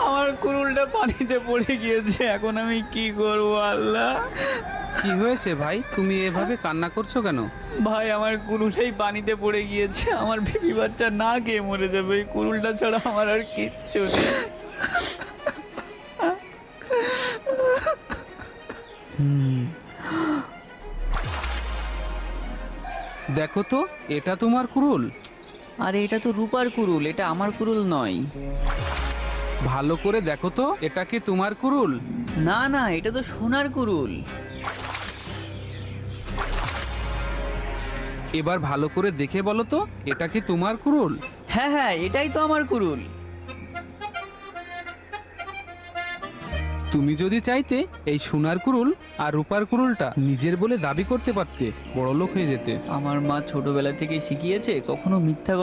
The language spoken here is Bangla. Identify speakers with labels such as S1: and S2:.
S1: আমার কুড়ুলটা পানিতে পড়ে গিয়েছে, এখন আমি কি করব আল্লাহ?
S2: কি হয়েছে ভাই, তুমি এভাবে কান্না করছো কেন?
S1: ভাই আমার কুড়ুলটাই পানিতে পড়ে গিয়েছে, আমার বেবি বাচ্চা না খেয়ে মরে যাবে, এই কুড়ুলটা ছাড়া আমার আর কিচ্ছু নেই।
S2: দেখো তো, এটা তোমার কুড়ুল?
S1: আরে এটা তো রূপার কুড়ুল, এটা আমার কুড়ুল নয়।
S2: ভালো করে দেখো তো, এটা কি তোমার কুড়ুল?
S1: না না, এটা তো সোনার কুড়ুল।
S2: এবার ভালো করে দেখে বলো তো, এটা কি তোমার কুড়ুল?
S1: হ্যাঁ হ্যাঁ, এটাই তো আমার কুড়ুল।
S2: তুমি যদি চাইতে এই সোনার কুড়ুল আর রূপার কুড়ুলটা নিজের বলে দাবি করতে পারতে, বড়লোক হয়ে যেতে।
S1: আমার মা ছোটবেলা থেকে শিখিয়েছে কখনো মিথ্যা